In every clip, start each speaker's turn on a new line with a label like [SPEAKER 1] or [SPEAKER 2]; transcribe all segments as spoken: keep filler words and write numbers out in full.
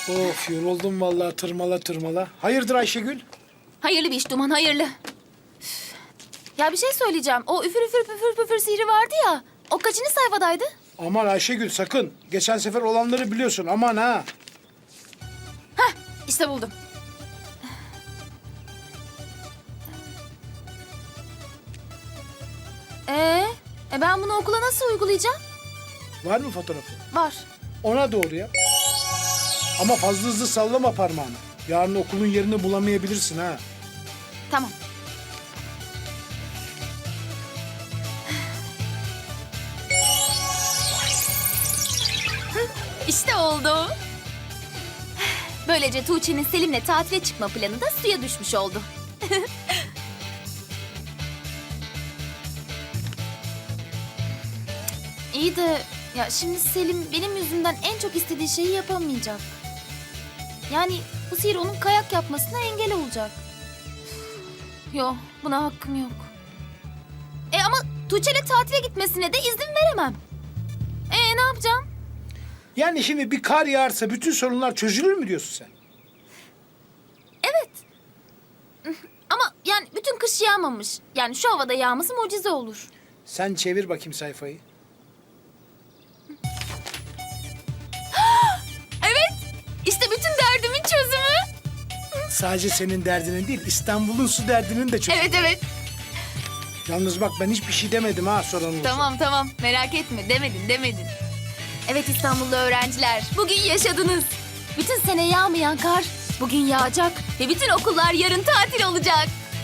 [SPEAKER 1] Of yoruldum vallahi tırmala tırmala. Hayırdır Ayşegül?
[SPEAKER 2] Hayırlı bir iş Duman, hayırlı. Üf. Ya bir şey söyleyeceğim. O üfür üfür püfür püfür sihri vardı ya. O kaçıncı sayfadaydı?
[SPEAKER 1] Aman Ayşegül sakın. Geçen sefer olanları biliyorsun aman ha.
[SPEAKER 2] Heh, işte buldum. Ee, e ben bunu okula nasıl uygulayacağım?
[SPEAKER 1] Var mı fotoğrafı?
[SPEAKER 2] Var.
[SPEAKER 1] Ona doğru ya. Ama fazla hızlı sallama parmağını. Yarın okulun yerini bulamayabilirsin ha.
[SPEAKER 2] Tamam. İşte oldu. Böylece Tuğçe'nin Selim'le tatile çıkma planı da suya düşmüş oldu. İyi de ya şimdi Selim benim yüzümden en çok istediği şeyi yapamayacak. Yani bu sihir onun kayak yapmasına engel olacak. Yok, buna hakkım yok. E ama Tuğçe'yle tatile gitmesine de izin veremem. E ne yapacağım?
[SPEAKER 1] Yani şimdi bir kar yağarsa bütün sorunlar çözülür mü diyorsun sen?
[SPEAKER 2] Evet. Ama yani bütün kış yağmamış. Yani şu havada yağması mucize olur.
[SPEAKER 1] Sen çevir bakayım sayfayı.
[SPEAKER 2] Evet. İşte bütün derdimin çözümü.
[SPEAKER 1] Sadece senin derdinin değil, İstanbul'un su derdinin de çözülür.
[SPEAKER 2] Evet evet.
[SPEAKER 1] Yalnız bak ben hiçbir şey demedim ha soran olursa.
[SPEAKER 2] Tamam tamam. Merak etme. Demedin demedin. Evet İstanbullu öğrenciler. Bugün yaşadınız. Bütün sene yağmayan kar bugün yağacak. Ve bütün okullar yarın tatil olacak.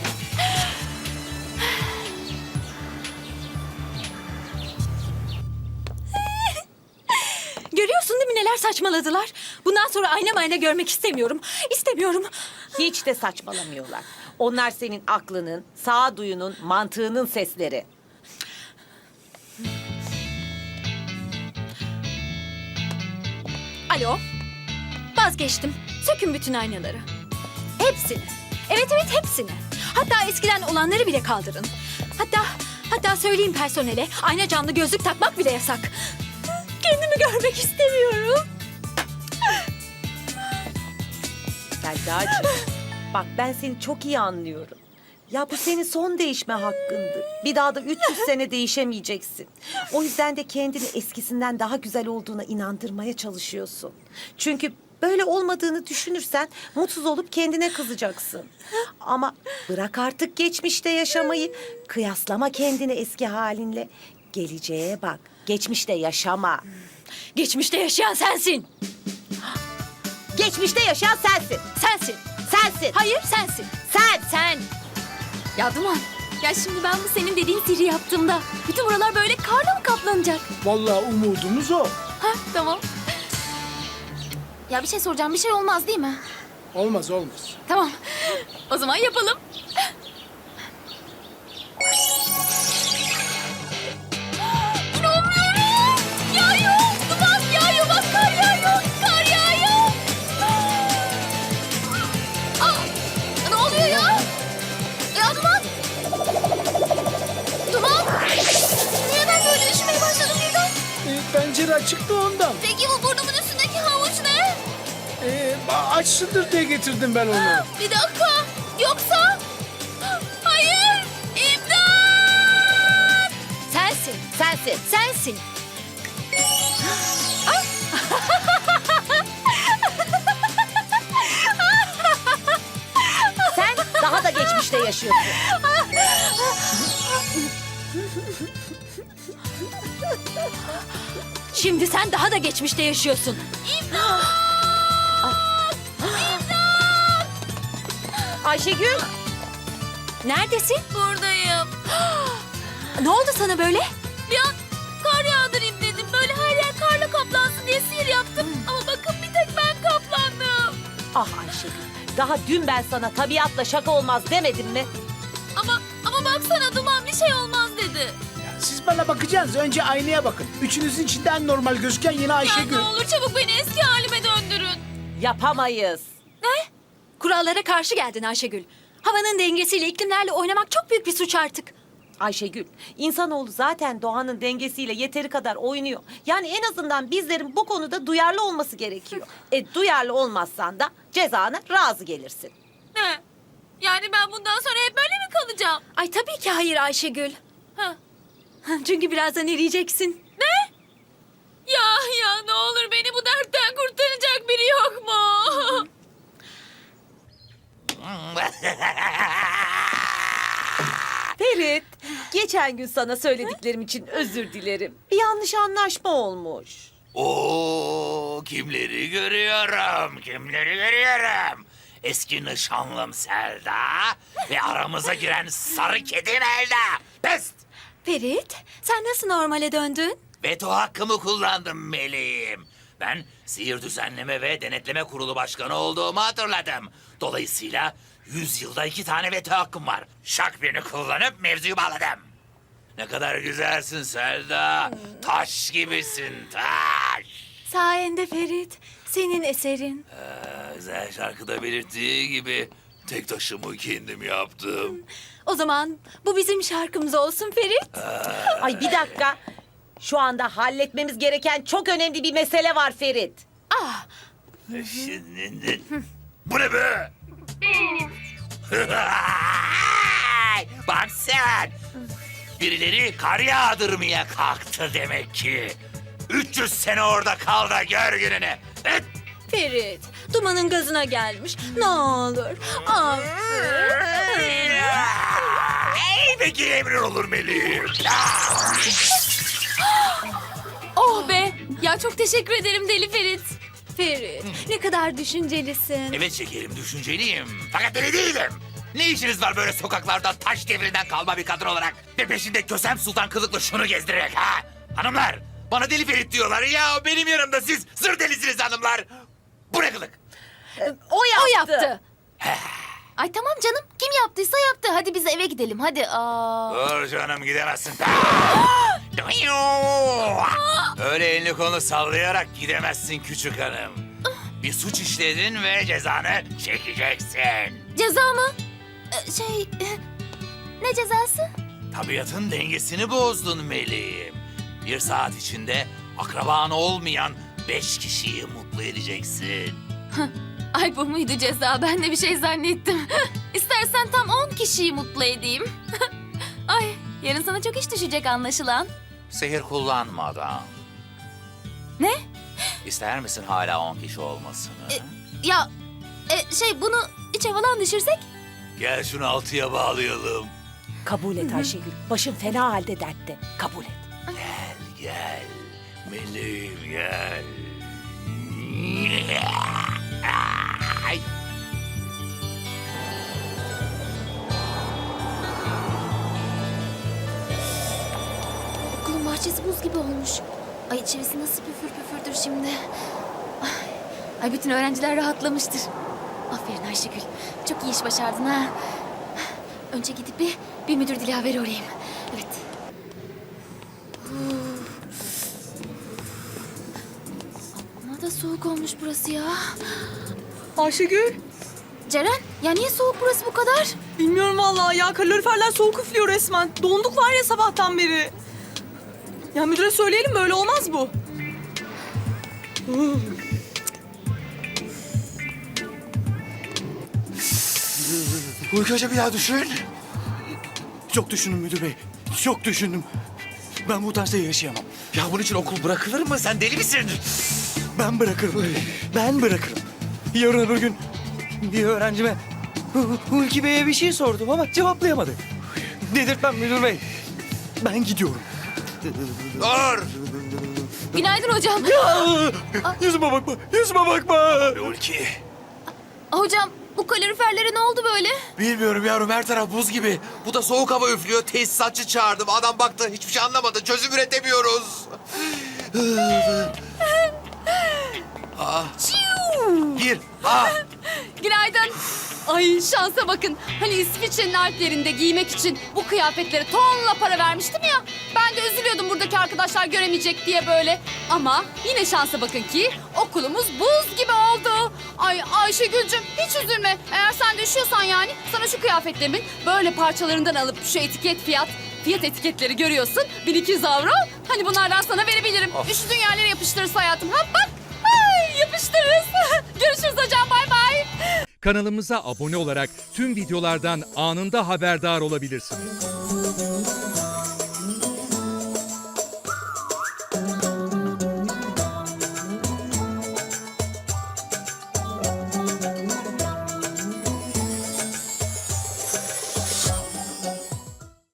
[SPEAKER 3] Görüyorsun değil mi neler saçmaladılar? Bundan sonra ayna mayna görmek istemiyorum. İstemiyorum.
[SPEAKER 4] Hiç de saçmalamıyorlar. Onlar senin aklının, sağduyunun, mantığının sesleri.
[SPEAKER 3] Alo. Vazgeçtim. Sökün bütün aynaları. Hepsini. Evet evet hepsini. Hatta eskiden olanları bile kaldırın. Hatta hatta söyleyeyim personele ayna camlı gözlük takmak bile yasak. Kendimi görmek istemiyorum.
[SPEAKER 4] Selda'cığım, bak ben seni çok iyi anlıyorum. Ya bu senin son değişme hakkındı. Bir daha da üç yüz sene değişemeyeceksin. O yüzden de kendini eskisinden daha güzel olduğuna inandırmaya çalışıyorsun. Çünkü böyle olmadığını düşünürsen mutsuz olup kendine kızacaksın. Ama bırak artık geçmişte yaşamayı. Kıyaslama kendini eski halinle. Geleceğe bak. Geçmişte yaşama.
[SPEAKER 3] Geçmişte yaşayan sensin.
[SPEAKER 4] Geçmişte yaşayan sensin.
[SPEAKER 3] Sensin.
[SPEAKER 4] Sensin.
[SPEAKER 3] Hayır sensin.
[SPEAKER 4] Sen.
[SPEAKER 3] Sen.
[SPEAKER 2] Ya Duman. Ya şimdi ben bu senin dediğin sihri yaptığımda bütün buralar böyle karla mı kaplanacak?
[SPEAKER 1] Vallahi umudumuz o.
[SPEAKER 2] Ha tamam. Ya bir şey soracağım. Bir şey olmaz değil mi?
[SPEAKER 1] Olmaz olmaz.
[SPEAKER 2] Tamam. O zaman yapalım. İnanmıyorum. Yağıyor. Duman yağıyor. Bak kar yağıyor. Kar yağıyor. Aa, ne oluyor ya? Ya Duman. Duman. Niye ben böyle üşümeye başladım birden?
[SPEAKER 1] E, pencere açık da ondan.
[SPEAKER 2] Peki bu burnumun üstündeki havuç ne?
[SPEAKER 1] E, açsındır diye getirdim ben onu.
[SPEAKER 2] Bir dakika. Yoksa... Hayır. İmdat.
[SPEAKER 3] Sensin.
[SPEAKER 4] Sensin.
[SPEAKER 3] Sensin.
[SPEAKER 4] Sen daha da geçmişte yaşıyorsun.
[SPEAKER 3] Şimdi sen daha da geçmişte yaşıyorsun.
[SPEAKER 4] Ayşegül.
[SPEAKER 3] Neredesin?
[SPEAKER 2] Buradayım.
[SPEAKER 3] Ne oldu sana böyle?
[SPEAKER 2] Bir an kar yağdırayım dedim. Böyle her yer karla kaplansın diye sihir yaptım. Ama bakın bir tek ben kaplandım.
[SPEAKER 4] Ah Ayşegül. Daha dün ben sana tabiatla şaka olmaz demedim mi?
[SPEAKER 2] Ama ama baksana Duman bir şey olmaz dedi.
[SPEAKER 1] Ya siz bana bakacaksınız. Önce aynaya bakın. Üçünüzün içinde en normal gözüken yine
[SPEAKER 2] Ya
[SPEAKER 1] Ayşegül.
[SPEAKER 2] ne olur çabuk beni eski halime döndürün.
[SPEAKER 4] Yapamayız.
[SPEAKER 3] Kurallara karşı geldin Ayşegül. Havanın dengesiyle, iklimlerle oynamak çok büyük bir suç artık.
[SPEAKER 4] Ayşegül, insanoğlu zaten doğanın dengesiyle yeteri kadar oynuyor. Yani en azından bizlerin bu konuda duyarlı olması gerekiyor. E duyarlı olmazsan da cezana razı gelirsin.
[SPEAKER 2] Ne? Yani ben bundan sonra hep böyle mi kalacağım?
[SPEAKER 3] Ay tabii ki hayır Ayşegül.
[SPEAKER 2] Ha.
[SPEAKER 3] Çünkü birazdan eriyeceksin.
[SPEAKER 2] Ne? Ya ya ne olur beni bu dertten kurtaracak biri yok mu?
[SPEAKER 4] Ferit, geçen gün sana söylediklerim için özür dilerim. Bir yanlış anlaşma olmuş.
[SPEAKER 5] Oo, kimleri görüyorum, kimleri görüyorum. Eski nişanlım Selda ve aramıza giren sarı kedi Melda. Pest!
[SPEAKER 3] Ferit, sen nasıl normale döndün?
[SPEAKER 5] Veto hakkımı kullandım meleğim. Ben sihir düzenleme ve denetleme kurulu başkanı olduğumu hatırladım. Dolayısıyla yüz yılda iki tane veto hakkım var. Şak birini kullanıp mevzuyu bağladım. Ne kadar güzelsin Selda. Taş gibisin, taş.
[SPEAKER 3] Sayende Ferit, senin eserin.
[SPEAKER 5] Ee, güzel şarkıda belirttiği gibi tek taşımı kendim yaptım.
[SPEAKER 3] O zaman bu bizim şarkımız olsun Ferit.
[SPEAKER 4] Ay bir dakika. Şu anda halletmemiz gereken çok önemli bir mesele var Ferit.
[SPEAKER 3] Ah,
[SPEAKER 5] Şimdi... Bu ne be? Bak sen! Birileri kar yağdırmaya kalktı demek ki. üç yüz sene orada kal da gör gününü. Evet.
[SPEAKER 3] Ferit, dumanın gazına gelmiş. Ne olur, affet.
[SPEAKER 5] Ey peki emrin olur meleğim.
[SPEAKER 2] Oh be! Ya çok teşekkür ederim Deli Ferit.
[SPEAKER 3] Ferit, ne kadar düşüncelisin.
[SPEAKER 5] Evet şekerim, düşünceliyim. Fakat deli değilim. Ne işiniz var böyle sokaklarda taş devrinden kalma bir kadın olarak? Ve peşinde Kösem Sultan kılıklı şunu gezdirerek ha? Hanımlar, bana Deli Ferit diyorlar. Ya benim yanımda siz zır delisiniz hanımlar. Bu ne kılık?
[SPEAKER 4] O yaptı.
[SPEAKER 3] O yaptı.
[SPEAKER 2] Ay tamam canım. Kim yaptıysa yaptı. Hadi biz eve gidelim. Hadi. Aa.
[SPEAKER 5] Dur canım gidemezsin. Öyle elini kolunu sallayarak gidemezsin küçük hanım. Bir suç işledin ve cezanı çekeceksin.
[SPEAKER 2] Ceza mı? Ee, şey... e, Ne cezası?
[SPEAKER 5] Tabiatın dengesini bozdun meleğim. Bir saat içinde akraban olmayan beş kişiyi mutlu edeceksin.
[SPEAKER 2] Ay bu muydu ceza? Ben de bir şey zannettim. İstersen tam on kişiyi mutlu edeyim. Ay yarın sana çok iş düşecek anlaşılan.
[SPEAKER 5] Sehir kullanmadan.
[SPEAKER 2] Ne?
[SPEAKER 5] İster misin hala on kişi olmasını?
[SPEAKER 2] Ya e, şey bunu içe falan düşürsek?
[SPEAKER 5] Gel şunu altıya bağlayalım.
[SPEAKER 4] Kabul et Ayşegül. Başın fena halde dertte. Kabul et.
[SPEAKER 5] Gel gel. Meleğim gel. Ay.
[SPEAKER 2] Okulun bahçesi buz gibi olmuş. Ay içerisi nasıl püfür püfürdür şimdi. Ay, ay bütün öğrenciler rahatlamıştır. Aferin Ayşegül. Çok iyi iş başardın ha. Önce gidip bir, bir müdür dilaveri arayayım. Evet. Ama da soğuk olmuş burası ya.
[SPEAKER 6] Ayşegül,
[SPEAKER 2] Ceren, ya niye soğuk burası bu kadar?
[SPEAKER 6] bilmiyorum vallahi ya. Kaloriferler soğuk üflüyor resmen. Donduk var ya sabahtan beri. Ya müdüre söyleyelim, böyle olmaz bu.
[SPEAKER 7] Uyku Hoca bir daha düşün. Çok düşündüm müdür bey. Çok düşündüm. Ben bu tarzda yaşayamam.
[SPEAKER 5] Ya bunun için okul bırakılır mı? Sen deli misin?
[SPEAKER 7] Ben bırakırım. Ben bırakırım. Yarın öbür gün bir öğrencime Hu- Hulki Bey'e bir şey sordum ama cevaplayamadı. Dedirtmem müdür bey. Ben gidiyorum.
[SPEAKER 5] Dur!
[SPEAKER 2] Günaydın hocam.
[SPEAKER 7] Aa, yüzüme bakma, yüzüme bakma.
[SPEAKER 5] Ulki.
[SPEAKER 2] Hocam bu kaloriferlere ne oldu böyle?
[SPEAKER 5] Bilmiyorum yavrum her taraf buz gibi. Bu da soğuk hava üflüyor. Tesisatçı çağırdım. Adam baktı hiçbir şey anlamadı. Çözüm üretemiyoruz. ah. Gir. Ah.
[SPEAKER 8] Günaydın. Ay şansa bakın. Hani İsviçre'nin Alplerinde giymek için bu kıyafetlere tonla para vermiştim ya. Ben de üzülüyordum buradaki arkadaşlar göremeyecek diye böyle. Ama yine şansa bakın ki okulumuz buz gibi oldu. Ay Ayşegül'cüm hiç üzülme. Eğer sen de üşüyorsan yani sana şu kıyafetlerimin böyle parçalarından alıp şu etiket fiyat fiyat etiketleri görüyorsun. bin iki yüz avro. Hani bunlardan sana verebilirim. Üşüdüğün yerlere yapıştırırız hayatım. Ha bak. Ay, yapıştırırız. Görüşürüz hocam, bay bay.
[SPEAKER 9] Kanalımıza abone olarak tüm videolardan anında haberdar olabilirsiniz.